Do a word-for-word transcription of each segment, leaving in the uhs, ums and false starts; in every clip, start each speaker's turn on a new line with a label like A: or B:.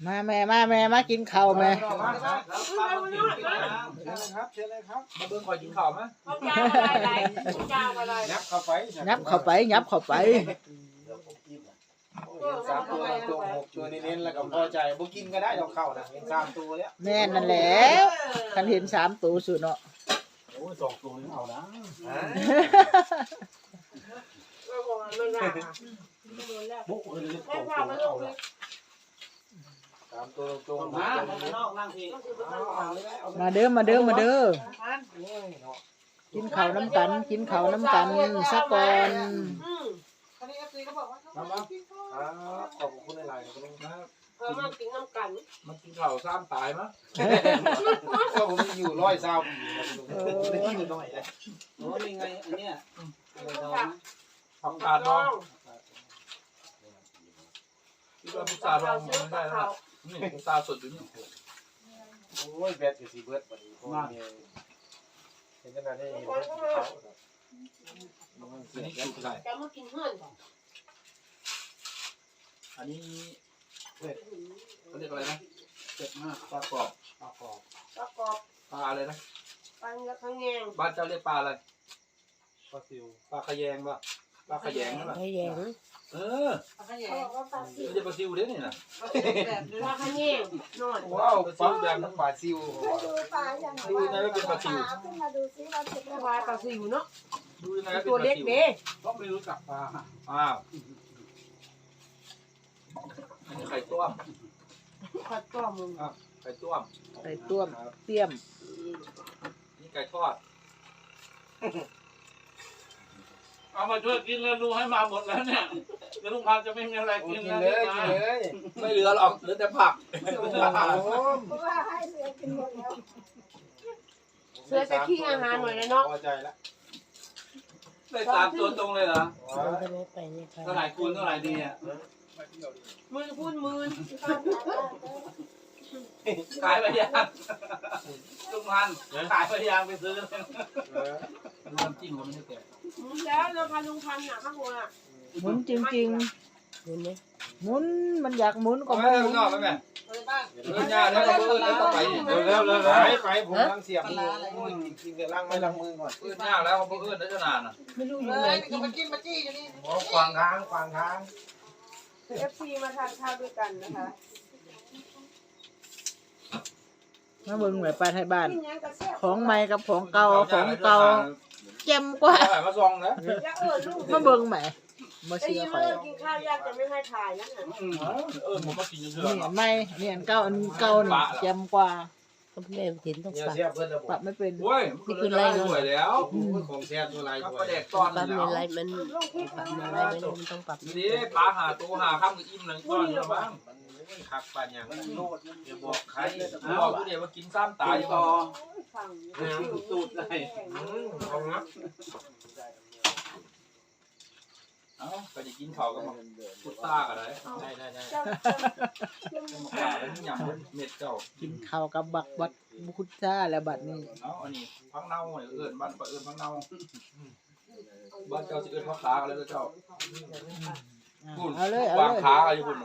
A: มาแม่มาแม่มากินข้าวแม่
B: ครับเชิญเลยครับมาเบิ่งคอยกินข้าวมั้ยยับเข้าไป
A: ยับเข้าไปยับเข้าไป
B: สามตัวตัวหกตัวเน้นๆแล้วก็พอใจบ่กินก็ได้ดอกข้าวนะเห็นสามตัวแล้ว
A: แม่นั่นแหละคันเห็นสามตัวสุดเนาะ
B: โอ้ยสองตัวนี่เอานะบุกเลยสองตัวเอาละสามตัวตรงมา
A: มาเด้อมาเด้อมาเด้อกินข้าวน้ำกันกินข้าวน้ำกันสักก่อน
C: อันนี้เอฟซีเขาบอกว่าเขา
B: มาขอบคุณหลายๆครับ
C: เออมากินน้ำกัน
B: มันกินข้าวซ้ำตายมั้ยก็ผมอยู่ร้อยเศร้าได้กินหน่อยเลยโอ้ยไงอันเนี้ยผักกาดดองที่ว่าพุทราดองมันได้แล้วนี่พุทราสดอยู่นี่โอ้ยแบตอยู่สี่เบิร์ดวันนี้ผมมีเห็นขนาดนี้เขาอันนี้ชุบไก่
C: จะมากินเพื่อน
B: อันนี้เขาเรียกอะไรนะเจ็บมากปลากรอบปลากรอบ
C: ปลากรอบ
B: ปลาอะไรนะ
C: ปลาเนื้อข้างแงง
B: บ้านเจ้าเรียกปลาอะไรปลาซิวปลาขยงป่ะปลาขยงนั่นแหละ
A: ขยง
B: เออ
C: ปลาขยง
B: ไม่ใช่ปลาซิวเด้นี่นะ
C: ปลาขยงนอน
B: ว้าวปลาแบบทั้งปลาซิว
D: ดูปลาอย่างไร
B: ดูยังไงก็เป็นปลาซิว
D: ขึ้นมาดูซิว่าเป็น
C: ปลาปลาซิวเนาะ
B: ดูยังไงก็เป็น
C: ตัวเล็กเด้
B: ก็ไม่รู้จักปลาอ้าวอันนี้ไข่ต้ม
C: ไข่ต้มมึง
B: ไข่ต้ม
A: ไข่ต้มเตี้ยม
B: นี่ไก่ทอดเอามาช่วยกินแล้วลุงให้มาหมดแล้วเนี่ยเดี๋ยวลุงพันจะไม่มีอะไรกินเลยกินเลยไม่เหลือหรอกเหลือแต่ผัก
D: เพราะว่าให้เสือกินหมดแล้ว
C: เสือจะขี้อาหารหน่อยเลยเนาะ
B: พอใจแล้วได้สามตัวตรงเลยเหรอเท่าไหร่คูณเท่าไหร่ดีอ่ะ
C: หมื่นคูณหมื่น
B: ขายไปยังลุงพันขายไปยังไปซื้อน้ำจิ้มก็ไม่ได้แก่
C: แล้วเราพาลุงพันน่ะข้างบนอ่ะ
A: หมุนจริงๆหมุนไหมหมุนมันอยากหมุนก็
B: ไม่หมุนนอกแล้วแม่เรื่องยาแล้วก็เพื่อนแล้วก็ไปเร็วเร็วไปไปผมลังเสียบกินเดี๋ยวล้างไม่ล้างมือก่อนเพื่อนยากแล้วเพื่อนได้ขนาดน่ะ
A: ไม่รู้อยู่ไหนกิน
C: มาจิ้มมาจี้อยู่นี่
B: โอ้ขวางทางขวางทาง
C: เอฟซีมาทานข้าวด้วยกันนะคะ
A: มาเบิ่งแบบปลาไทยบ้านของใหม่กับของเก่าของเก่าเจ็มกว่า
B: มาซองนะ
A: มาเบิ่งใหม่มา
C: เชื่อไปกินข้าวยากจะไม่ให้ถ่ายนั่นน่ะ
B: เออผมมากินเยอะ
A: ๆนี่อันใหม่นี่อันเก่าอันเก่านี่เจ็มกว่า
D: แม่ถิ่นต้องปรับ
A: ปรับไม่เป็น
B: โอ้ยนี่คืออะไรสวยแล้วของแซ่บตัวไรสวยเด็กตอน
D: ปรับอะไรมันปรับอะไรมันต้องปรับ
B: นี่ปลาหาตัวหาข้ามกับอิ่มหนึ่งก้อนแล้วบ้างขักปันอย่างเดี๋ยวบอกใครบอกผู้เดียวมากินซ้ำตายต่อสูตรอะไรเอางับเอ้าก็จะกินข้าวกับพุทธากันเลยได้ได้ได้มาขาแล้วนี่ยำเม็ดเจ้า
A: กินข้าวกับบักบัดพุทธาแล้วบัดนี้
B: เอาอันนี้พักเน่าเอื้อนบ้านเอื้อนพักเน่าบ้านเจ้าสิเอื้อนพักขากันเลยเจ้า
A: เอาเลยเอา
B: วาง
A: เลย
B: ขาอะไรคุณ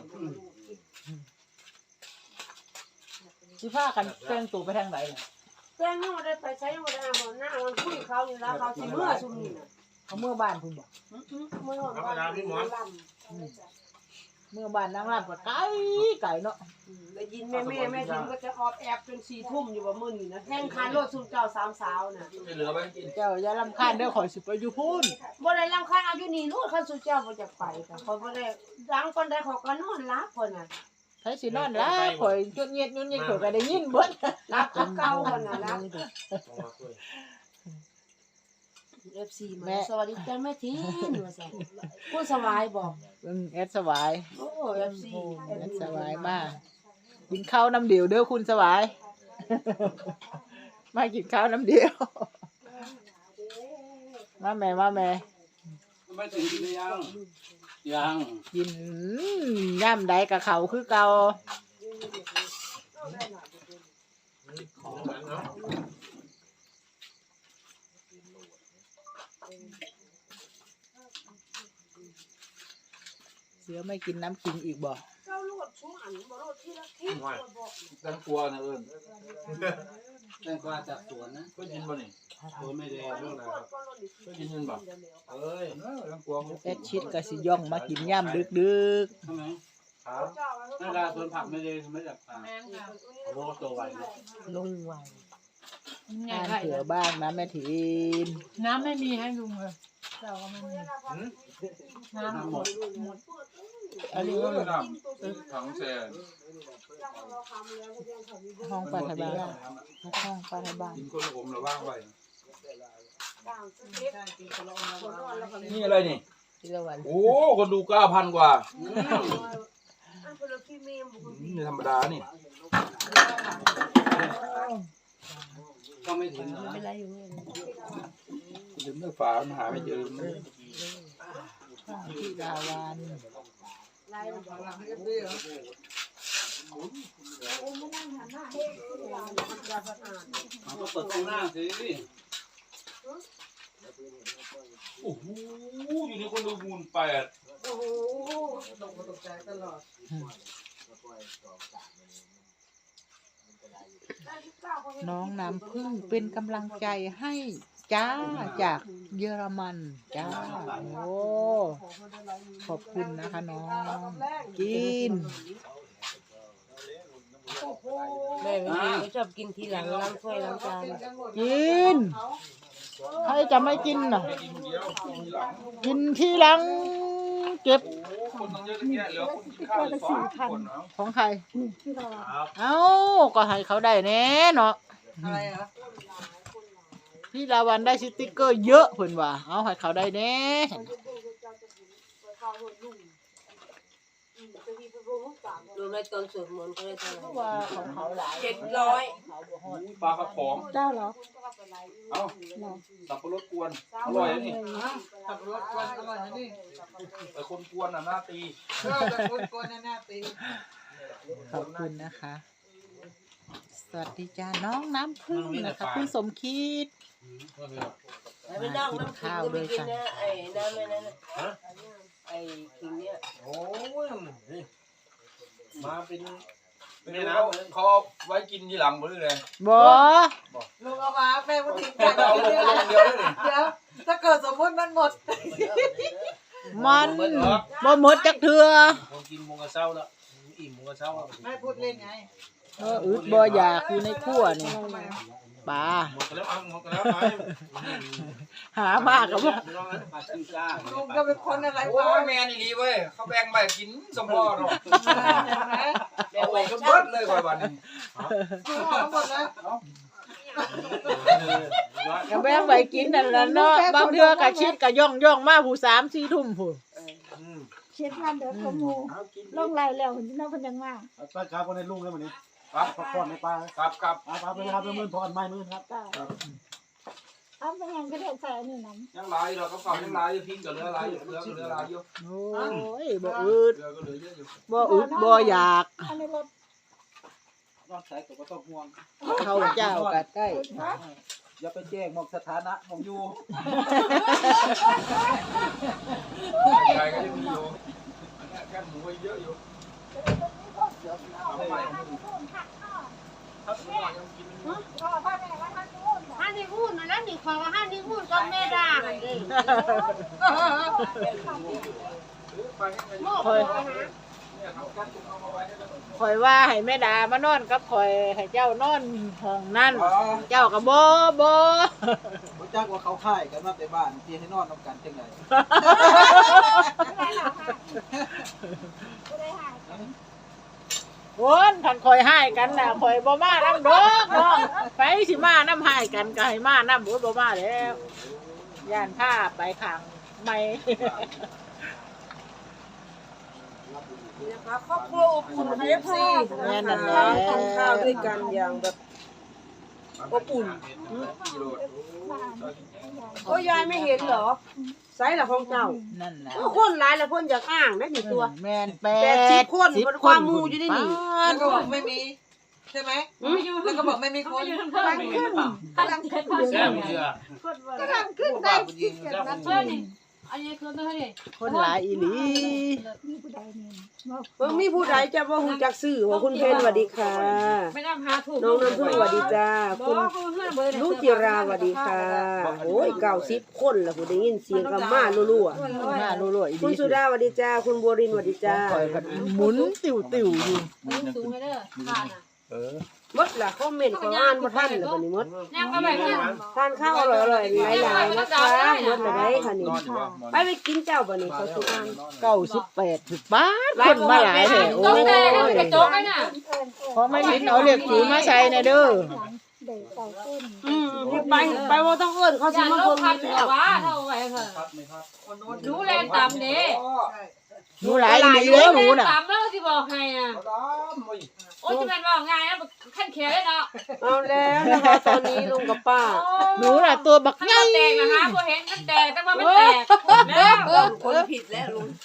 A: สิผ้ากันแกงตู่ไปทางไหนเนี่ย
C: แกงนี่มันได้ไปใช้มันได้หน้ามันคุยเขาอยู่แล้วเขาสิเมื่อชุมนี่น่ะ
A: เขาเมื่อบ้านคุณบอก
C: เมื่อบ้านพี่หมอน
A: เมื่อบ้านนางรำก็ไก่ไก่เนาะ
C: ได้ยินแม่แม่แม่ทิมก็จะออบแอบจนสี่ทุ่มอยู่ว่ามื้อนี้นะแข่งขันรถสุนเจ้าสามสาวน่ะ
B: เหลือไว้กิน
A: เจ้าอย่ารำคาญเด้อขอสิไปอยู่พุ่น
C: บ่ได้รำคาญเอาอยู่นี่นู่นคันสุเจ้าบ่จะไปค่ะเขาบ่ได้ดังปานใดเขาก็นอนหลับเพิ่นน่ะ
A: ไผสินอนล่ะข่อยจดเงียดยุ่นนี่ข่อยก็ได้ยินเบิด
C: หลับคือเก่าเพิ่นน่ะนะเอฟซีมาสวัสดีจ้าแม่ทินว่าซั่นผู้สบายบอก
A: อืมแอดสบาย
C: โอ้เอฟซี
A: แอดสบายมากกินข้าวน้ำเดียวเด้อคุณสบายมากินข้าวน้ำเดียวมาแม่มาแม่
B: ไม่ถึงกินยังยัง
A: กินย่ำใดกับเขาคือเก่าเสือไม่กินน้ำขิงอีกบ่
C: เจ้าลูกโชอันบ่รถที่ละคิดบ่บอก
B: แตงกวานะเอิญ
E: แตงกวาจากสวนนะ
B: ก็ยินบ่นี่
E: สวนไม่ได้เรื่องอะไรครับ
B: ก็ยินยินบ่เอ้ยแตงกวา
A: แอดชิดก็สิย่องมากินย่ำดึก
E: ใช่ไหม
B: ครับ
E: นาดาสวนผักไม่ได้ไม่จากป่าโอ้โหตัวไวเลย
A: ๆลงไวงานเผื่อบ้างนะแม่ทีน
F: น้ำไม่มีให้ลุงเลยเราก็ไม่มี
E: น้ำหมด
B: อันนี้ก็น้ำถังแซ่
A: ห้องปลาทะบ้านห้องปลาทะบ้าน
B: กินคนละอมระว่างไว้
C: ต่างสเต็ปคนนอนแล้วก็
B: นี่อะไรนี่
A: ที่ละวัน
B: โอ้คนดูเก้าพันกว่า
C: อันคนละที่มีบุญ
B: นี่ธรรมดานี่
E: ก็ไม่ถึงเหรอ
A: เป็นไรอยู่เนี่ย
B: ลืมเนื้อฝาหาไม่เจอ
A: ที่ลาวัน
C: ลายมัน
E: มันก็เปิดตรงหน้าสิ
B: โอ้โหอยู่ในคนดูมูลแปด
C: โอ้โห
A: น้องน้ำพึ่งเป็นกำลังใจให้จ้าจากเยอรมันจ้าโอ้ขอบคุณนะคะน้องกิน
C: แม่ไม่ชอบกินทีหลังล้างถ้วยล้างจาน
A: กินใครจะไม่กินน่ะ
B: กินเดียวกินหลัง
A: กินที่หลังเก็บ
B: โอ้คนต้องเยอะแยะเหลือคนกินข้าวอยู่สองคนเนาะ
A: ของใคร
E: ครับ
A: เอ้าก็ให้เขาได้แน่เนาะอะไรอ่ะพี่ลาวันได้สติ๊กเกอร์เยอะเพิ่นว่าเอาให้เขาได้แน่
C: ดูในตอนสวดมนต์ก็ได้เท่าไหร่
A: ว่าของเขาหลาย
C: เจ็ดร้อย
B: ปลากระป๋อง
D: เจ้าเหรอ
B: เอ้าสับปะรดกวนอร่อยนะนี่
A: ขับรถกวนอร่อยนะนี่
B: แต่คนกวนน่ะหน้าตี
A: เออแต่คนกวนหน้าตีขอบคุณนะคะ สวัสดีจ้าน้องน้ำพึ่งนะคะคุณสมคิด
C: ไปนั่งน้ำขิงก็ไม่กินนะไอ้น้ำไอ้นั่นไอ้ขิงเนี่ย
E: โอ้ยมาเป็น
B: ไม่รู้เขาเอาไว้กินทีหลังหมดเลย
A: บ่
G: ลุงเอามาแม่พูดถึง
B: เอาลงลงเดียวเลยนี่
G: เดี๋ยวถ้าเกิดสมมติมันหมด
A: มันบ่หมดจักเทื่อ
E: คนกินมุงกระเซ้าแล้วอิ่มมุงกระเซ้า
G: แม่พูดเล่นไง
A: เอออึดบ่อยากอยู่ในครัวนี่ปลา
B: หมดกันแล้วเอาหมดกันแล้วไป
A: หามากกับว่า
E: ปลาซิวซ่า
G: ลุงก็เป็นคนอะไร
B: โอ้
G: วะ
B: ยแมนอีหลีเว้ยเขาแบ่งไปกินสมพอเนาะ
C: แบ่
B: เอา
C: ง
B: ไป
C: ไว้
B: ก็
C: ชั
B: เบิ
C: ก
B: ดเลยก่อนวันนี้
G: ทั้งหมดแล้ว
A: ก็แบ่งไปกินนั่นล่ะเนาะบางเทื่อก็ชิดก็ย่องย่องมาผู้สามสี่ทุ่มพุ่น
D: เช็ดพันเดือดขมูลงไรแล้วเห็นน้องเพิ่นยังมา
E: ป้าจ้าคนในลุงเลยวันนี้
B: ครับ
E: พักผ่อนในป้า
B: ครับครับ
E: ป้าไปครับเป็นมื่นพรไม่มื่นครับ
D: จ้าเอาไปยังก็ได้ใส่อันนี้น้
B: ยังลายเราก็เก่ายังลายอยู่พิงกับเรือลายอยู่เรือกับเรือลายอยู่
A: โอ้ยบ่อึด
B: เรือก็เหลือเยอะอยู่
A: บ่อึดบ่อยาก
D: ำอันนี้รถ
E: นอกใส่ก็ต้องห่วง
A: เข้าเจ้าก็ได้
E: อย่าไปแจ้งมองสถานะมองอยู่
B: ใครก็ยังมีอยู่แค่หมูไว้เยอะอยู่เอาไปครับหมูยังกิน
C: ห้านี่พูดนะนั่นนี่ขอห้านี่พูดก็แม่ด่ากันเลย
B: ไปให้
C: โม่คอยหา
B: เนี่ยเขากั้นตรงเอามาไว้ให้ได้
A: ข่อยว่าให้แม่ดามานอนกับข่อยให้เจ้านอนห้องนั่นเจ้าก็บ่บ่
E: รู้จักว่าเขาค่ายกันมาแต่บ้านที่ให้นอนนำกันจังไง
A: โอนคันข่อยให้กันน่ะข่อยบ่มานำดอกน้องไปสิมานำให้กันก็ให้มานำบ่บ่มาแล้วย่านผ้าไปข้างไม่
G: นะคะครอบครัวอบอุ่นเอฟซี
A: แม่นั่นแหละ
G: กินข้าวด้วยกันอย่างแบบอบอุ่น
B: กิโล
C: โอ้ยายไม่เห็นเหรอไซส์ละของเจ้า
A: นั่นน่ะ
C: คนหลายละคนอยากอ้างได้หนึ่งตัว
A: แม่นแป
C: แปดสิบคนมันความหมู่อยู่ในนี่
G: แล้วก็บอกไม่มีใช่ไหมแล้วก็บอกไม่มีคนกำลังขึ้นกำลังขึ้น
E: แซ่บเชื่อ
D: ก็ทำขึ้นได้คิดกันนะ
C: เพื่อน
F: อันนี้คือตัวนี้
A: คนหลายอีหลี
D: มีผู้ใดนี่บอก
C: เบิ่งมีผู้ใดจะบ่ฮู้จักชื่อว่าคุณเพนสวัสดีค่ะ
F: ไม่ต้องหาถูก
C: น้องน้ำพึ่งสวัสดีจ้า
F: บอ
C: คุณ
F: กเพื่อนเบอร์
C: ลูกจิราสวัสดีค่ะโอ้ยเก้าสิบคนแล้วผู้ได้ยินเสียงกับมารั่ว
A: หน้ารั่วๆอี
C: ๆ
A: ห
C: คุณ
A: ลี
C: สุดาสวัสดีจ้าคุณบัวรินทร์สวัสดีจ้า
A: คอยกันหมุนติ๋วติ๋วๆอยู่
F: สูงไปเด้อผ่านอ่ะ
B: เออ
C: หมดล่ะคอมเมนต์ขออ่านบ่ทันแล้วบัดนี้หมด
F: แนวก็แบบนี้
C: ทานข้าวอร่อยๆหลายๆนะคะหมดแล้วได้ค่ะนี่
B: นอนอยู่ว่า
C: ไปไปกินเจ้าบัดนี้เขาสิอ่าน
A: เก้าสิบแปดสิบบ้านคนมาหลายแถว
F: ต้องแต่กระจกน่ะ
A: เพราะไม่เห็นเอาเหล็กถือมาใส่ในเด้อ
D: เด็กเก่าต้น
C: อืมไปไปบ่ต้องเอิ้นเขา
F: อ
C: สิ
F: ย่า
C: มา
F: ล
C: เบิ่
F: บ
C: ง
F: พัน
C: นี่
F: เหร
C: แล้
F: อ
C: ว
F: วะเท่าไหร่เถอะรู้แรงต่ำเด้
A: หนูหลายอีหลีเลยหนูน่ะ
F: ต่ำแล้วที่บอกให้อ่ะโอ้ยจะเป็นว่าไงนะขั้นเขียเลยเนาะ
C: เอาแล้วนะคะตอนนี้ลุงกับป้า
A: หนูน่ะตัวบัก
F: ขั้น
A: ใหญ่
F: แตกนะคะพอเห็นขั้นแตกแต่ว่าไม่แตกแล้ว
G: คนผิดแล้วลุง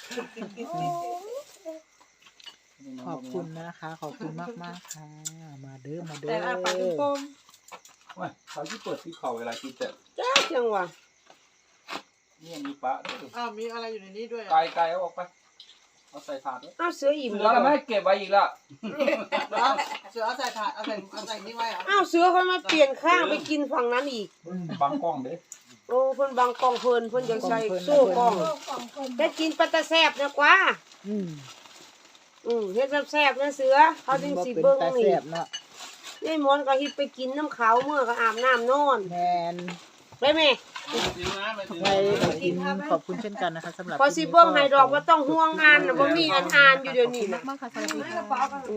A: ขอบคุณนะคะ ขอบคุณมากมากๆค่ะ มาเด้อมาเด้
G: แต่อาปากเป็นป
A: อ
G: ม
B: ว่าเขาที่เปิดที่เขาเวลากินแต่
C: จ้าจังหวะ
B: นี่มีปะ
G: อ้าวมีอะไรอยู่ในนี้ด้วย
B: ไกลไกลเอาออกไปเอาใส่ถาดด้วย
C: อ้าวเสืออิ่ม
B: แล้
C: แล้ว ว
B: เราไม่ให้เก็บไว้อีกละ
G: เสือเอาใส่ถาดเอาใส่เอาใส่นี่ไว้เหรอ
C: อ้าวเสือเขามาเปลี่ยนข้างไปกินฝั่งนั้นอีก
B: บังกล้องเด้
C: โอ้เพิ่นบังกล้องเพิ่นเพิ่นยังใส่โซ่กล้อง
D: โลกของคน
C: ได้กินปลาตะแซ่บนะกว่า
A: อืม
C: อืมเฮ็ดแซ่บๆนะเสือเขาจึง
A: บ่
C: สิ
A: เป็น
C: เบิ่ง
A: ตา
C: นี่
A: แซ่บเนาะ
C: ยายหมอนก็ฮิตไปกินน้ำขาวเมื่อก็อาบน้ำนอน
A: แมน
C: ได้ไหม
A: ไว้กินขอบคุณเช่นกันนะคะสำหรับ
C: พอสิเบิ่งให้ดอกว่าต้องห่วงงานน่ะบ่มีอันอ่านอยู่เดี๋ยวนี้น่ะ
A: มากๆค่ะสวัสดีค่ะ
C: อื